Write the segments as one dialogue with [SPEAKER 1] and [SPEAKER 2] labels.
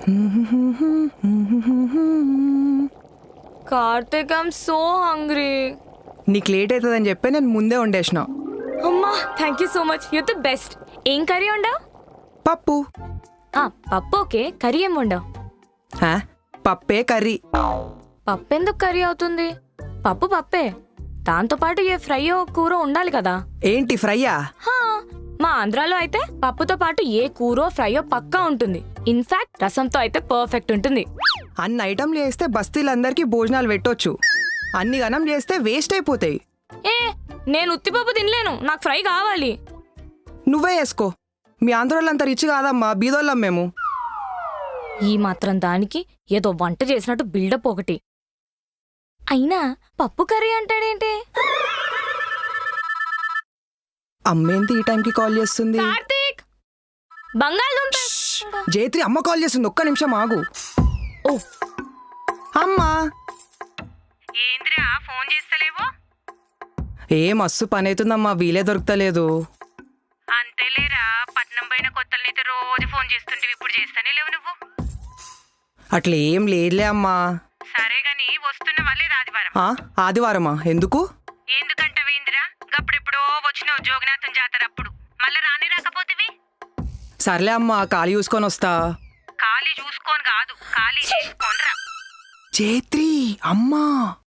[SPEAKER 1] Karthik I'm so hungry.
[SPEAKER 2] నీకు late అవుతుందని చెప్పి నేను ముందే వండేసిన.
[SPEAKER 1] అమ్మా thank you so much, you the best. ఏం కర్రీ వండావు?
[SPEAKER 2] పప్పు.
[SPEAKER 1] పప్పు ఓకే, కర్రీ ఏం వండావు?
[SPEAKER 2] పప్పే కర్రీ.
[SPEAKER 1] పప్పు ఎందుకు కర్రీ అవుతుంది? పప్పు పప్పే, దాంతో పాటు ఏ ఫ్రైయో కూర ఉండాలి కదా.
[SPEAKER 2] ఏంటి ఫ్రైయా?
[SPEAKER 1] మా ఆంధ్రాలో అయితే పప్పుతో పాటు ఏ కూరో ఫ్రైయో పక్కా ఉంటుంది. ఇన్ఫాక్ట్ రసంతో అయితే పర్ఫెక్ట్ ఉంటుంది.
[SPEAKER 2] అన్ని ఐటమ్లు చేస్తే బస్తీలందరికీ భోజనాలు పెట్టొచ్చు, అన్ని గనం చేస్తే వేస్ట్ అయిపోతాయి.
[SPEAKER 1] నేను ఉత్తిపప్పు తినలేను, నాకు ఫ్రై కావాలి.
[SPEAKER 2] నువ్వే వేసుకో. మీ ఆంధ్రోళ్ళంతా రిచ్ కాదమ్మా, బీదోళ్ళం మేము.
[SPEAKER 1] ఈ మాత్రం దానికి ఏదో వంట చేసినట్టు బిల్డప్ ఒకటి. అయినా పప్పు కర్రీ అంటాడేంటి?
[SPEAKER 2] అమ్మేంటి ఈ టైంకి కాల్ చేస్తుంది?
[SPEAKER 1] కార్తీక్, బంగాళదుంప.
[SPEAKER 2] జైత్రి అమ్మ కాల్ చేస్తుంది, ఒక్క నిమిషం ఆగు. ఓ అమ్మా,
[SPEAKER 3] ఏంద్రా ఫోన్ చేస్తలేవు?
[SPEAKER 2] ఏ మస్తు పని అవుతుందమ్మా, వీలే దొరుకుతలేదు.
[SPEAKER 3] అంతేలేరా, పట్నం పోయిన కొత్తలనైతే రోజు ఫోన్ చేస్తుంటే ఇప్పుడు చేస్తానే లేవు నువ్వు.
[SPEAKER 2] అట్లా ఏం లేదులే అమ్మా.
[SPEAKER 3] సరే గాని వస్తున్నవా లేదా ఆదివారం?
[SPEAKER 2] ఆదివారమా? ఎందుకు?
[SPEAKER 3] ఎందుకంటవేంద్రా, గప్పుడెప్పుడో వచ్చినావు జోగనాథం జాతర అప్పుడు, మళ్ళా రాని రాకపోతివి.
[SPEAKER 2] సర్లే అమ్మా, ఖాళీ చూసుకొని వస్తా.
[SPEAKER 3] ఖాళీ చూసుకోని కాదు, ఖాళీ చేసుకోనరా.
[SPEAKER 2] జైత్రి అమ్మా.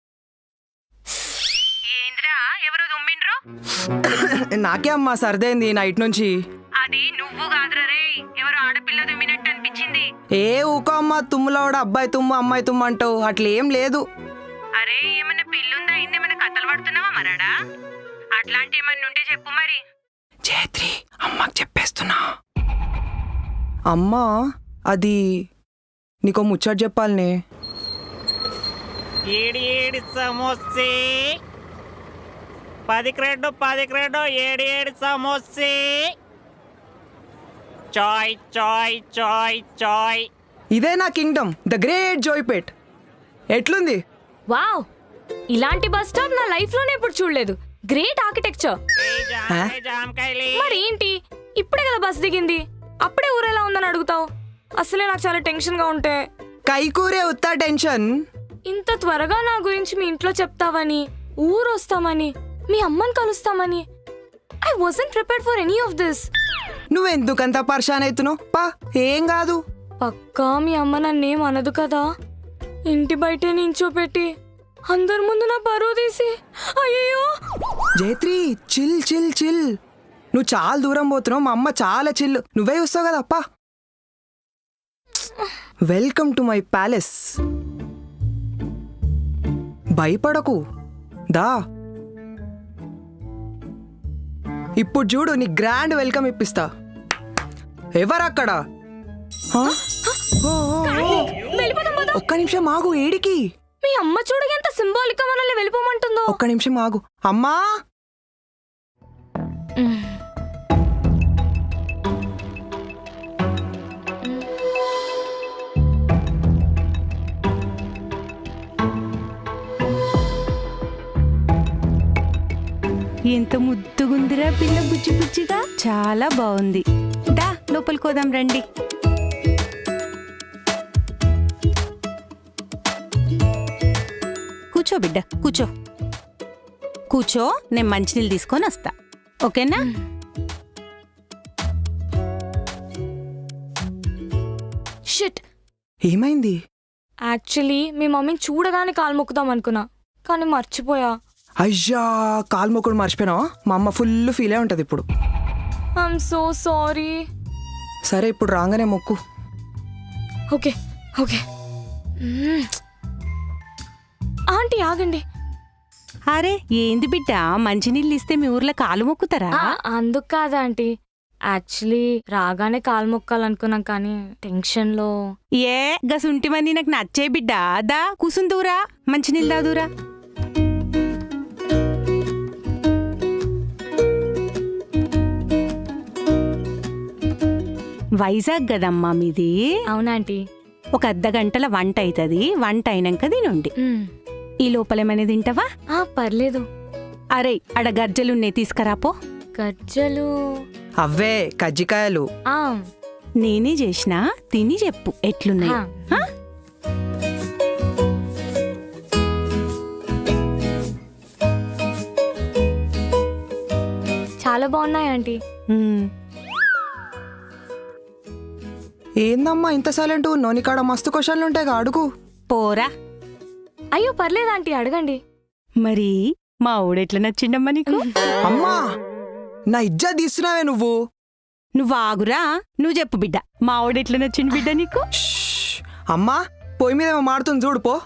[SPEAKER 3] ఏంద్రా ఎవరో దుమ్మిండ్రు?
[SPEAKER 2] నాకే అమ్మా సర్దైంది నైట్ నుంచి.
[SPEAKER 3] అది నువ్వు కాదురా రే, ఎవరో ఆడపిల్ల దుమ్మినట్టు అనిపించింది.
[SPEAKER 2] ఏ ఊకో అమ్మా, తుమ్ములవాడు అబ్బాయి తుమ్ము అమ్మాయి తుమ్ము అంటావు, అట్లేం లేదు.
[SPEAKER 3] అరే ఏమన్నా పిల్లుందా, ఇందేమన్నా కథలు పడుతున్నావా మరాడా? అట్లాంటి ఏమన్నా ఉంటే చెప్పు మరి.
[SPEAKER 2] జైత్రి అమ్మకి చెప్పేస్తున్నా. అమ్మా అది నీకో ముచ్చట చెప్పాలనే.
[SPEAKER 4] ఏడి ఏడి సమోసే 10 క్రెడ్డో 7 సమోసే. చాయ్ చాయ్ చాయ్ చాయ్.
[SPEAKER 2] ఇదే నా కింగ్డమ్, ద గ్రేట్ జోయ్పేట్. ఎట్లుంది?
[SPEAKER 1] వావ్, ఇలాంటి బస్ స్టాప్ నా లైఫ్ లోనే ఎప్పుడు చూడలేదు. Great architecture.
[SPEAKER 4] జామకాయలే.
[SPEAKER 1] మరేంటి ఇప్పుడే కదా బస్ దిగింది, అప్పుడే ఊరెలా ఉందని అడుగుతావు? అసలే నాకు చాలా టెన్షన్ గా ఉంటే.
[SPEAKER 2] కైకూరే ఉత్తా టెన్షన్.
[SPEAKER 1] ఇంత త్వరగా నా గురించి మీ ఇంట్లో చెప్తావని, ఊరు వస్తామని, మీ అమ్మని కలుస్తామని I wasn't prepared for any of this.
[SPEAKER 2] నువ్వెందుకంత పర్షాన్ అవుతున్నావు? పా, ఏం కాదు.
[SPEAKER 1] పక్కా మీ అమ్మ నన్నేం అనదు కదా? ఇంటి బయటే నించోపెట్టి అందరి ముందు నా పరువు తీసి. అయ్యో
[SPEAKER 2] జైత్రి చిల్ చిల్ చిల్. నువ్వు చాలా దూరం పోతున్నావు, మా అమ్మ చాలా చిల్లు, నువ్వే చూస్తావు కదా. అప్పా, వెల్కమ్ టు మై ప్యాలెస్. భయపడకు, దా. ఇప్పుడు చూడు, నీ గ్రాండ్ వెల్కమ్ ఇప్పిస్తా. ఎవరక్కడ? ఒక్క నిమిషం ఆగు. ఏడికి?
[SPEAKER 1] మీ అమ్మ చూడు ఎంత సింబాలిక్ గా మనల్ని వెళ్ళిపోమంటుందో.
[SPEAKER 2] ఒక్క నిమిషం ఆగు అమ్మా.
[SPEAKER 5] ఎంత ముద్దుగుందిరా పిల్ల, బుజ్జి బుజ్జిగా, చాలా బాగుంది. దా లోపలికి పోదాం రండి. కూర్చో బిడ్డ, కూర్చో కూర్చో. నేను మంచినీళ్ళు తీసుకొని వస్తా, ఓకేనా?
[SPEAKER 1] షిట్,
[SPEAKER 2] ఏమైంది?
[SPEAKER 1] యాక్చువల్లీ మీ మమ్మీని చూడగానే కాలు మొక్కుదాం అనుకున్నా, కానీ మర్చిపోయా.
[SPEAKER 2] అయ్యా, కాలు మొక్కుడు మర్చిపోయినావా? మా అమ్మ ఫుల్ ఫీల్ అయి ఉంటుంది ఇప్పుడు.
[SPEAKER 1] I'm so sorry.
[SPEAKER 2] సరే, ఇప్పుడు రాగానే మొక్కు.
[SPEAKER 1] Okay okay. ఆంటీ ఆగండి.
[SPEAKER 5] అరే ఏంది బిడ్డ, మంచినీళ్ళు ఇస్తే మీ ఊర్లో కాలు మొక్కుతారా?
[SPEAKER 1] అందుకు కాదా ఆంటీ, యాక్చువల్లీ రాగానే కాలు మొక్కాలనుకున్నాం కానీ టెన్షన్లో.
[SPEAKER 5] ఏ గసుంటివన్నీ నాకు నచ్చే బిడ్డ. దా కూసుందూరా, మంచినీళ్ళు దాదూరా. వైజాగ్ కదమ్మా మీది?
[SPEAKER 1] అవునాంటీ.
[SPEAKER 5] ఒక అర్ధగంటల వంట అవుతుంది, వంట అయినాక తినండి. ఈ లోపలేమైనా తింటావా?
[SPEAKER 1] పర్లేదు.
[SPEAKER 5] అరే అడ గర్జలున్నాయి, తీసుకురాపో.
[SPEAKER 1] గజ్జలు?
[SPEAKER 2] అవే కజ్జికాయలు.
[SPEAKER 5] నేనే చేసినా తిని చెప్పు ఎట్లున్నాయి
[SPEAKER 1] హా.
[SPEAKER 5] హా?
[SPEAKER 1] చాలా బాగున్నాయి ఆంటీ.
[SPEAKER 5] మ్మ్.
[SPEAKER 2] ఏందమ్మా ఇంత సైలెంట్ ఉన్నావు? నీకాడ మస్తు క్వశ్చన్లు ఉంటాయి అడుగు.
[SPEAKER 5] పోరా.
[SPEAKER 1] అయ్యో పర్లేదు ఆంటీ, అడగండి.
[SPEAKER 5] మరి మా ఊడెట్లా నచ్చిండమ్మా నీకు?
[SPEAKER 2] అమ్మా నా ఇజ్జత్ తీస్తున్నావే నువ్వు.
[SPEAKER 5] నువ్వు ఆగురా, నువ్వు చెప్పు బిడ్డ, మా ఊడెట్లా నచ్చిండు బిడ్డ నీకు?
[SPEAKER 2] షష్. అమ్మా పొయ్యి మీద ఏమో మాడుతుంది చూడు పో.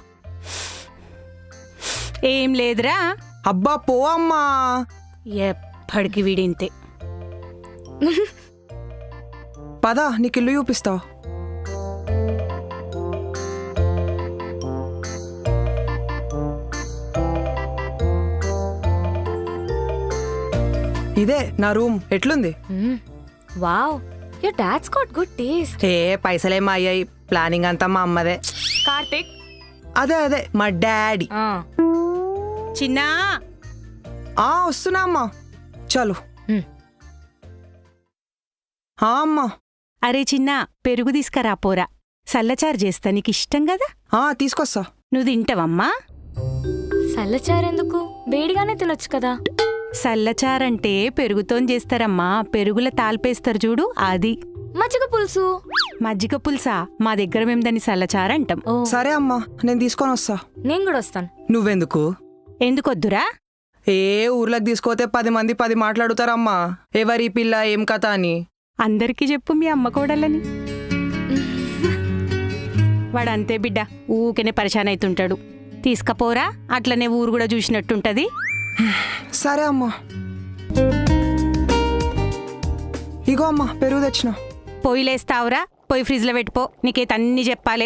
[SPEAKER 5] ఏం లేదురా,
[SPEAKER 2] అబ్బా పో అమ్మా.
[SPEAKER 5] ఎప్పటికి వీడింతే.
[SPEAKER 2] పద నీకు ఇల్లు చూపిస్తా. ఇదే నా రూమ్. ఎట్లుంది?
[SPEAKER 1] Wow, your dad's got good taste.
[SPEAKER 2] ఏ పైసలేమో అయ్యాయి, ప్లానింగ్ అంతా మా అమ్మదే.
[SPEAKER 1] కార్తిక్.
[SPEAKER 2] అదే అదే మా డాడీ.
[SPEAKER 5] చిన్నా,
[SPEAKER 2] వస్తున్నా అమ్మా. చలో. అమ్మా.
[SPEAKER 5] అరే చిన్నా, పెరుగు తీసుకురా పోరా, సల్లచారు చేస్తా, నీకు ఇష్టం కదా.
[SPEAKER 2] తీసుకొస్తా.
[SPEAKER 5] నువ్వు తింటావమ్మా?
[SPEAKER 1] సల్లచారెందుకు, వేడిగానే తినొచ్చు కదా.
[SPEAKER 5] సల్లచారంటే పెరుగుతోని చేస్తారమ్మా, పెరుగుల తాల్పేస్తారు చూడు అది.
[SPEAKER 1] మజ్జిగ పులుసు.
[SPEAKER 5] మజ్జిగ పులుసా? మా దగ్గర మేము దాన్ని సల్లచారు అంటాం.
[SPEAKER 1] ఓ,
[SPEAKER 2] సరే అమ్మా నేను తీసుకొని వస్తా.
[SPEAKER 1] నేను కూడా వస్తాను.
[SPEAKER 2] నువ్వెందుకు?
[SPEAKER 5] ఎందుకొద్దురా?
[SPEAKER 2] ఏ ఊర్లోకి తీసుకోతే 10 మంది 10 మాట్లాడుతారమ్మా, ఎవరి పిల్ల ఏం కథ అని.
[SPEAKER 5] అందరికీ చెప్పు మీ అమ్మ కోడలని. వాడంతే బిడ్డ, ఊకెనే పరిశాన్ అవుతుంటాడు. తీసుకపోరా, అట్లనే ఊరు కూడా చూసినట్టుంటది.
[SPEAKER 2] సరే అమ్మా. ఇగో అమ్మా పెరుగు తెచ్చిన.
[SPEAKER 5] పొయ్యిలేస్తావురా, పొయ్యి ఫ్రిడ్జ్లో పెట్టుకో, నీకైతే అన్నీ చెప్పాలే.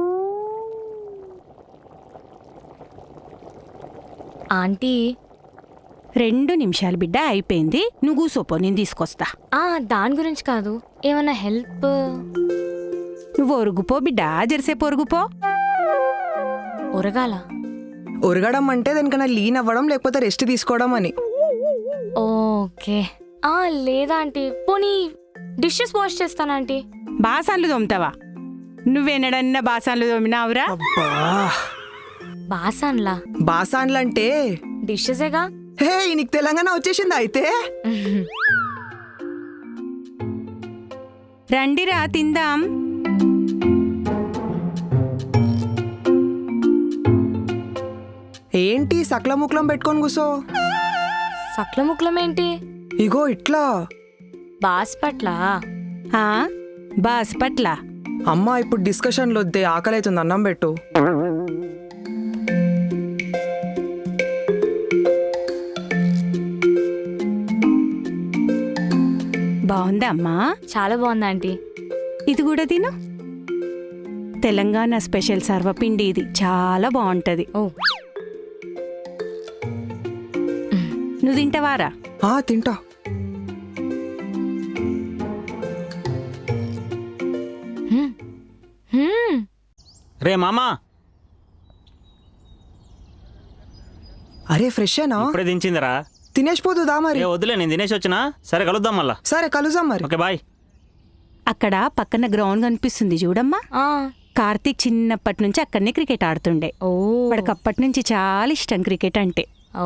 [SPEAKER 1] ఆంటీ.
[SPEAKER 5] 2 నిమిషాలు బిడ్డ, అయిపోయింది. నువ్వు కూసోపో, నేను తీసుకొస్తా.
[SPEAKER 1] దాని గురించి కాదు, ఏమన్నా హెల్ప్?
[SPEAKER 5] నువ్వు ఒరుగుపో బిడ్డ, జెర్సేపు ఒరుగుపో.
[SPEAKER 1] ఉరగాల?
[SPEAKER 2] ఉరగడం అంటే దానికన్నా లీన్ అవ్వడం లేకపోతే రెస్ట్ తీసుకోవడం అని.
[SPEAKER 1] ఓకే. లేదా ఆంటీ, పోనీ డిషెస్ వాష్ చేస్తాను ఆంటీ.
[SPEAKER 5] బాసాన్లు తోముతావా? నువ్వెన్నడన్నా బాసాన్లు తోమినావురా?
[SPEAKER 2] అబ్బా
[SPEAKER 1] బాసాన్లా?
[SPEAKER 2] బాసాన్లంటే
[SPEAKER 1] డిషెసేగా.
[SPEAKER 2] హే నీకు తెలంగాణ వచ్చేసిందా అయితే?
[SPEAKER 5] రండిరా తిందాం.
[SPEAKER 2] ఏంటి సకల ముక్లం పెట్టుకొని కూసో?
[SPEAKER 1] సక్ల ముక్లమేంటి?
[SPEAKER 2] ఇగో ఇట్లా.
[SPEAKER 1] బాస్పట్ల.
[SPEAKER 5] ఆ, బాస్పట్ల.
[SPEAKER 2] అమ్మా ఇప్పుడు డిస్కషన్లు వద్దే, ఆకలి అవుతుంది, అన్నం పెట్టు.
[SPEAKER 5] బాగుందా అమ్మా?
[SPEAKER 1] చాలా బాగుంది ఆంటీ.
[SPEAKER 5] ఇది కూడా తిను. తెలంగాణ స్పెషల్ సర్వపిండి ఇది, చాలా బాగుంటది.
[SPEAKER 1] ఓ,
[SPEAKER 5] నువ్వు తింటావారా?
[SPEAKER 2] తింటా.
[SPEAKER 4] రే మామా,
[SPEAKER 2] అరే ఫ్రెషేనా?
[SPEAKER 4] ఇప్పుడే దించిందిరా.
[SPEAKER 2] తినేసిపోతుందా మరి?
[SPEAKER 4] ఏ వద్దులే, నేను తినేసి వచ్చినా. సరే కలుద్దాం మళ్ళా.
[SPEAKER 2] సరే కలుద్దాం మరి.
[SPEAKER 4] Okay bye.
[SPEAKER 5] అక్కడ పక్కన గ్రౌండ్ కనిపిస్తుంది చూడమ్మా. కార్తీక్ చిన్నప్పటి నుంచి అక్కడనే క్రికెట్ ఆడుతుండే.
[SPEAKER 1] ఓ,
[SPEAKER 5] వాడికి అప్పటి నుంచి చాలా ఇష్టం క్రికెట్ అంటే.
[SPEAKER 1] ఓ.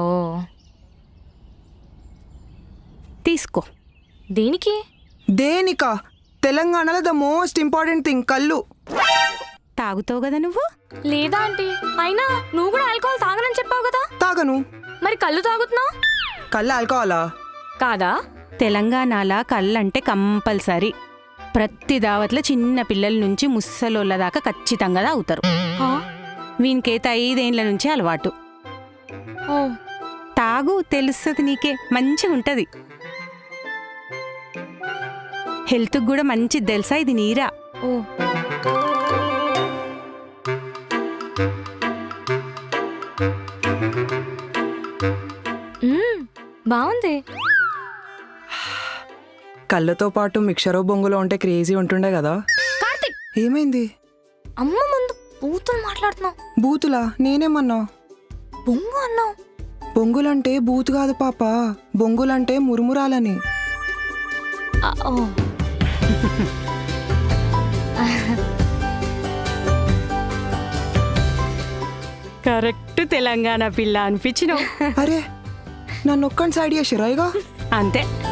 [SPEAKER 5] తీసుకో.
[SPEAKER 1] దేనికి?
[SPEAKER 2] దేనికా? తెలంగాణలో ద మోస్ట్ ఇంపార్టెంట్ థింగ్ కళ్ళు.
[SPEAKER 5] తాగుతావు కదా నువ్వు?
[SPEAKER 1] లేదా ఆంటీ, అయినా నువ్వు కూడా ఆల్కహాల్ తాగనని చెప్పావు కదా.
[SPEAKER 2] తాగను.
[SPEAKER 1] మరి కళ్ళు తాగుతున్నావు
[SPEAKER 2] కళ్ళు ఆల్కహాలా?
[SPEAKER 1] కాదా?
[SPEAKER 5] తెలంగాణలో కళ్ళంటే కంపల్సరీ. ప్రతి దావత్లో చిన్న పిల్లల నుంచి ముసలోళ్ళ దాకా ఖచ్చితంగా తాగుతారు.
[SPEAKER 1] ఆ?
[SPEAKER 5] వీనికైతే 5 ఏండ్ల నుంచి అలవాటు.
[SPEAKER 1] ఓ,
[SPEAKER 5] తాగు, తెలుస్తుంది నీకే, మంచిగా ఉంటది. హెల్త్కి కూడా మంచిది తెలుసా ఇది నీరా.
[SPEAKER 1] ఓ. బాగుంది.
[SPEAKER 2] కళ్ళతో పాటు మిక్చరో బొంగులో ఉంటే క్రేజీ ఉంటుండే కదా.
[SPEAKER 1] కార్తిక్,
[SPEAKER 2] ఏమైంది?
[SPEAKER 1] అమ్మ ముందు బూతులు మాట్లాడుతున్నావు.
[SPEAKER 2] బూతులా? నేనేమన్నా?
[SPEAKER 1] బొంగు అన్నావు.
[SPEAKER 2] బొంగులంటే బూతు కాదు పాప, బొంగులంటే మురుమురాలని.
[SPEAKER 1] ఓ.
[SPEAKER 5] కరెక్ట్ తెలంగాణ పిల్ల అనిపించినావు.
[SPEAKER 2] అరే నన్ను ఒక్కని సైడ్ చేసిరా ఇక
[SPEAKER 5] అంతే